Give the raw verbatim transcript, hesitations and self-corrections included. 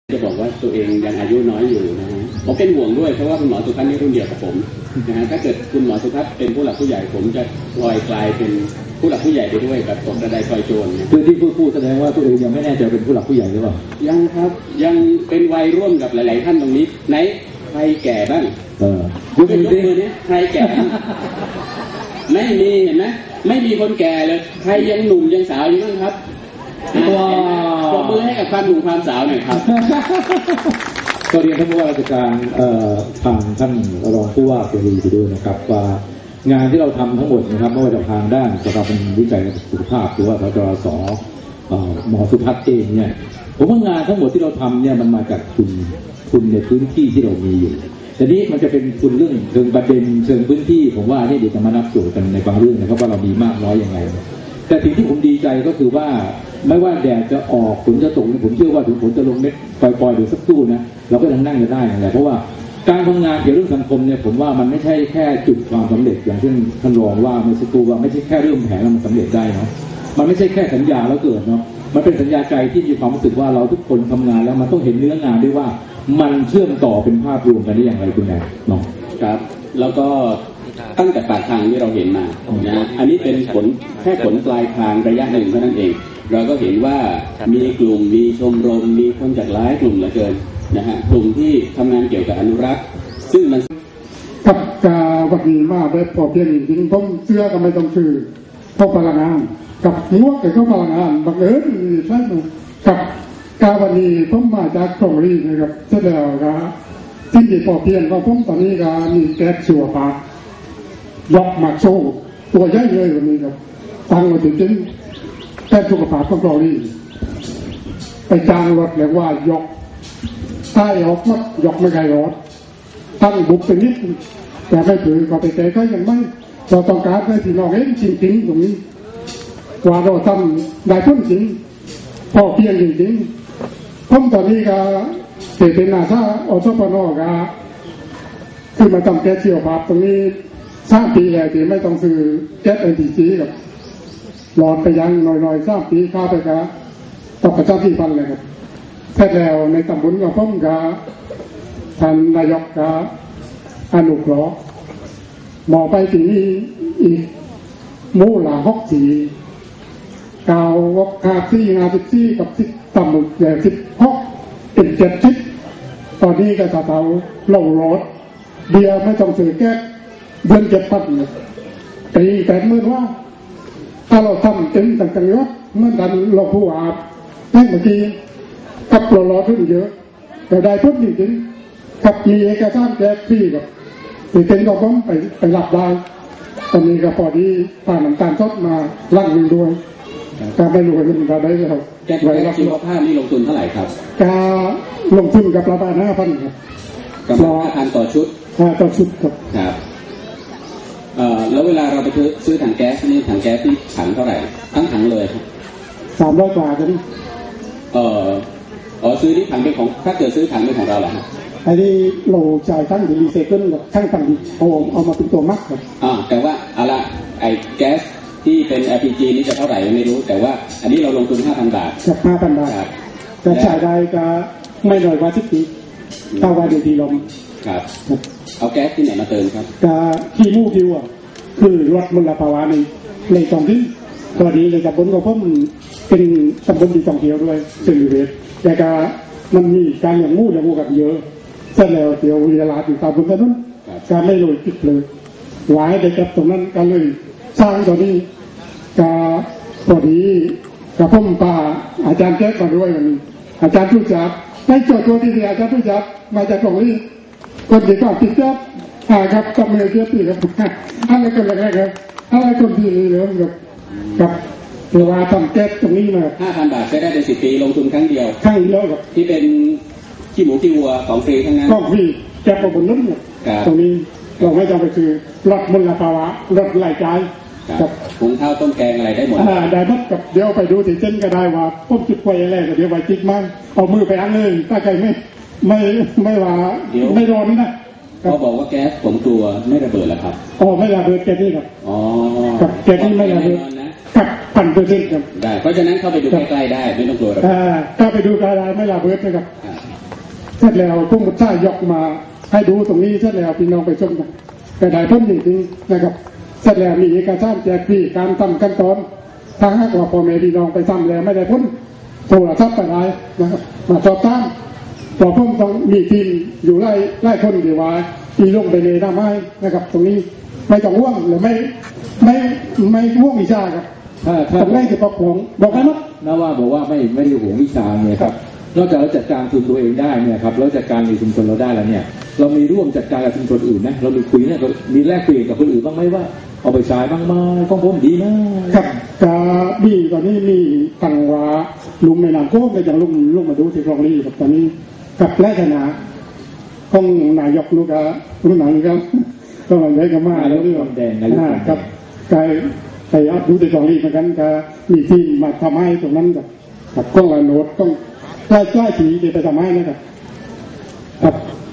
จะบอกว่าตัวเองยังอายุน้อยอยู่นะฮะผมเป็นห่วงด้วยเพราะว่าคุณหมอสุพัฒน์นี่รุ่นเดียวกับผมนะฮะถ้าเกิดคุณหมอสุพัฒน์เป็นผู้หลักผู้ใหญ่ผมจะลอยกลายเป็นผู้หลักผู้ใหญ่ไปด้วยแบบตกกระไดพลอยโจรคือที่พูดพูดแสดงว่าตัวเองยังไม่แน่ใจเป็นผู้หลักผู้ใหญ่หรือเปล่ายังครับยังเป็นวัยร่วมกับหลายๆท่านตรงนี้ไหนใครแก่บ้างเออยกมือนี้ใครแก่ไม่มีเห็นไหมไม่มีคนแก่เลยใครยังหนุ่มยังสาวอยู่บ้างครับว้าวปรบมือให้กับความหนุ่มความสาวหน่อยครับก็เรียนท่านผู้ว่าราชการทางท่านรองผู้ว่าเสรีไปด้วยนะครับว่างานที่เราทำทั้งหมดนะครับไม่ว่าจะทางด้านสถาบันวิจัยและสุขภาพหรือว่าสจสหมอสุพัฒน์เองเนี่ยผมว่างานทั้งหมดที่เราทำเนี่ยมันมาจากทุนทุนในพื้นที่ที่เรามีอยู่แต่นี้มันจะเป็นทุนเรื่องเชิงประเด็นเชิงพื้นที่ผมว่านี่เดี๋ยวจะมานับโจทย์กันในบางเรื่องนะครับว่าเรามีมากน้อยยังไงแต่สิ่งที่ผมดีใจก็คือว่าไม่ว่าแดดจะออกฝนจะตกผมเชื่อว่าถึงฝนจะลงเม็ดปล่อยๆหรือสักตู้นะเราก็ยังนั่งจะได้อย่างไรเพราะว่าการทำงานเกี่ยวกับเรื่องสังคมเนี่ยผมว่ามันไม่ใช่แค่จุดความสำเร็จอย่างที่ท่านรองว่าเมื่อสักครู่ว่าไม่ใช่แค่เรื่องแผนแล้วมันสำเร็จได้เนาะมันไม่ใช่แค่สัญญาแล้วเกิดเนาะมันเป็นสัญญาใจที่มีความรู้สึกว่าเราทุกคนทำงานแล้วมันต้องเห็นเนื้องานด้วยว่ามันเชื่อมต่อเป็นภาพรวมกันได้อย่างไรคุณแม่เนาะครับแล้วก็ตั้งแต่ปลายทางที่เราเห็นมานะอันนี้เป็นผลแค่ผลปลายทางระยะหนึ่งเท่านั้นเองเราก็เห็นว่ามีกลุ่มมีชมรมมีคนจากหลายกลุ่มเหลือเกินนะฮะกลุ่มที่ทำงานเกี่ยวกับอนุรักษ์ซึ่งมันกับกาวันนี้มาแบบพอเพียงจริงผมเสื้อก็ไม่ต้องซื้อพวกพลังงานกับงวกกับพลังงานบังเอิญใช่ไหมกับกาวันนี้ผมมาจากกรงรีนะครับเสร็จแล้วก็ที่ดีพอเพียงก็ผมตอนนี้ก็มีแก๊สชัวร์ปากยกมาโซ่ตัวใหญ่เลยวันนี้ครับตั้งมาถึงจริงแก๊สสุขภาพของกรงรีไปจ้างรถเรียกว่ายกใต้ออกรถยกไม่ไกลรถตั้งบุกไปนิดแต่ไม่ถือก็ไปแต่ก็ยังไม่เราต้องการให้พี่น้องเห็นจริงๆตรงนี้ว่าเราทำได้พ้นจริงพอเพียงจริงๆผมตอนนี้ก็เป็นอาสาอสปนก็คือมาทำแก๊สเชียวภาพตรงนี้สร้างปีแล้วที่ไม่ต้องซื้อแก๊ส เอ็น พี จี กับหลอดไปยังหน่อยๆสร้างปีข้าวไปกับต่อประชาธิปัตย์เลยครับเสร็จแล้วในตำบลกับผมกับท่านนายกกับอนุเคราะห์มองไปที่นี่อีกมู่หลาหกสีกาววกคาซี่งาสิบซี่กับสิบต่ำหมดแย่สิบหกเป็นเจ็ดสิบตอนนี้ก็จะเตาลงรถเบียร์ไม่ต้องซื้อแก๊สเดือนเจ็ดพันปีแต่เมื่อว่าถ้าเราทำเต็มต่างๆยศเมื่อดันเราผู้อาบแค่เมื่อกี้กับเราล้อขึ้นเยอะแต่ได้ทุกจริงๆกับมีเอกสารแก๊สฟรีกับติดเต็มก็ผมไปไปรับได้ตอนนี้ก็พอดีผ่านน้ำตาลสดมาลั่นหนึ่งด้วยการไปรวยมันก็ได้แล้วแก๊สชีวภาพนี่ลงทุนเท่าไหร่ครับการลงทุนกับประมาณห้าพันครับกับห้าพันต่อชุดต่อชุดครับครับเอ่อแล้วเวลาเราไปซื้อถังแก๊สนี่ถังแก๊สที่ถังเท่าไหร่ทั้งถังเลยครับสามร้อยกว่ากันเอ่ออ๋อซื้อที่ถังเป็นของถ้าเกิดซื้อถังเป็นของเราเหรอครับไอ้ที่เราจ่ายทั้งรีไซเคิลกับทั้งถังเอาเอามาเป็นตัวมัดครับอ่าแต่ว่าเอาละไอ้แก๊สที่เป็น แอล พี จี นี่จะเท่าไหร่ไม่รู้แต่ว่าอันนี้เราลงทุน ห้าพัน บาทกับ ห้าพัน บาทแต่จ่ายได้ก็ไม่น้อยกว่าสิบปีเท่าว่าเดือนที่ลมครับเอาแก๊สที่ไหนมาเติมครับก็ขี้มูกคิวอ่ะคือลดมลภาวะในในตรงที่ตัวนี้ในตำบลของผมเป็นตำบลที่ท่องเที่ยวด้วยซึ่งเวทแต่ก็มันมีการอย่างมูอย่างมูกับเยอะเสร็จแล้วเดี๋ยวเวลาอยู่ตามบนถนนการไม่โรยติดเลยหวายได้กับตรงนั้นก็เลยสร้างตัวนี้ก็พอดีกับผมป่าอาจารย์แจ๊กมาด้วยมันอาจารย์ผู้จัดได้โจทย์ตัวที่อาจารย์ผู้จัดมาจากกองนี้คนที่ก็ติดจับอ่าครับกับเมื่อเทียบปีครับอะไรคนแรกครับอะไรคนที่นี่เลยกับกับเวลาทำแก๊สตรงนี้มาห้าพันบาทใช้ได้เป็นสิบปีลงทุนครั้งเดียวครั้งเดียวครับที่เป็นขี้หมูขี้วัวของฟรีทั้งนั้นของฟรีแก๊สบนนั้นตรงนี้เราไม่จำเป็นคือลดมลภาวะลดรายจ่ายกับหุงข้าวต้มแกงอะไรได้หมดอ่าได้หมดกับเดี๋ยวไปดูที่เส้นก็ได้ว่าต้มจุดไฟอะไรก็เดี๋ยวไว้จิกมันเอามือไปอันเลยถ้าใครไม่ไม่ไม่ว่าไม่ร้อนนะเขาบอกว่าแก๊สผมกลัวไม่ระเบิดแล้วครับอ๋อไม่ระเบิดแก๊สนี่ครับอ๋อกับแก๊สนี่ไม่ระเบิดกับพันเปอร์เซ็นต์ครับได้เพราะฉะนั้นเข้าไปดูใกล้ๆได้ไม่ต้องกลัวอ่าถ้าไปดูใกล้ๆไม่ระเบิดนะครับเสร็จแล้วพวกมุดท่ายกมาให้ดูตรงนี้เสร็จแล้วพี่น้องไปชมกันแต่ได้พ้นจริงๆนะครับเสร็จแล้วมีเอกสารแจกฟรีการทำขั้นตอนทางหากว่าพ่อแม่พี่น้องไปทำแล้วไม่ได้พ้นโทรศัพท์ไปได้นะครับมาสอบถามต่อพ้นต้องมีทีมอยู่ไล่ไล่คนดีว่าอีลงไปเลยทำให้นะครับตรงนี้ไม่ต้องห่วงหรือไม่ไม่ไม่ห่วงวิชาครับถ้าถ้าตรงนี้จะประคองบอกให้มั้งนะว่าบอกว่าไม่ไม่ได้ห่วงวิชาเนี่ยครับนอกจากเราจัดการชุมชนตัวเองได้เนี่ยครับเราจัดการในชุมชนเราได้แล้วเนี่ยเรามีร่วมจัดการกับชุมชนอื่นนะเรามีคุยเนี่ยมีแลกเปลี่ยนกับคนอื่นบ้างไหมว่าเอาไปใช้บ้างไหมของผมดีนะครับกาบีตอนนี้มีตังวาลุงในนามโก้ในอย่างลุงลุงมาดูที่คลองลีกับตอนนี้กับแรกนะของนายกลูกอะรุ่นหนังครับก็มันได้กันมาแล้วเรื่องแดงนายกกับกายไปอัดดูที่คลองลีเหมือนกันก็มีทีมมาทำให้ตรงนั้นกับกับกล้องลายโน้ตกล้องใกล้ใกล้สีเดี๋ยวไปทำให้นะครับครับ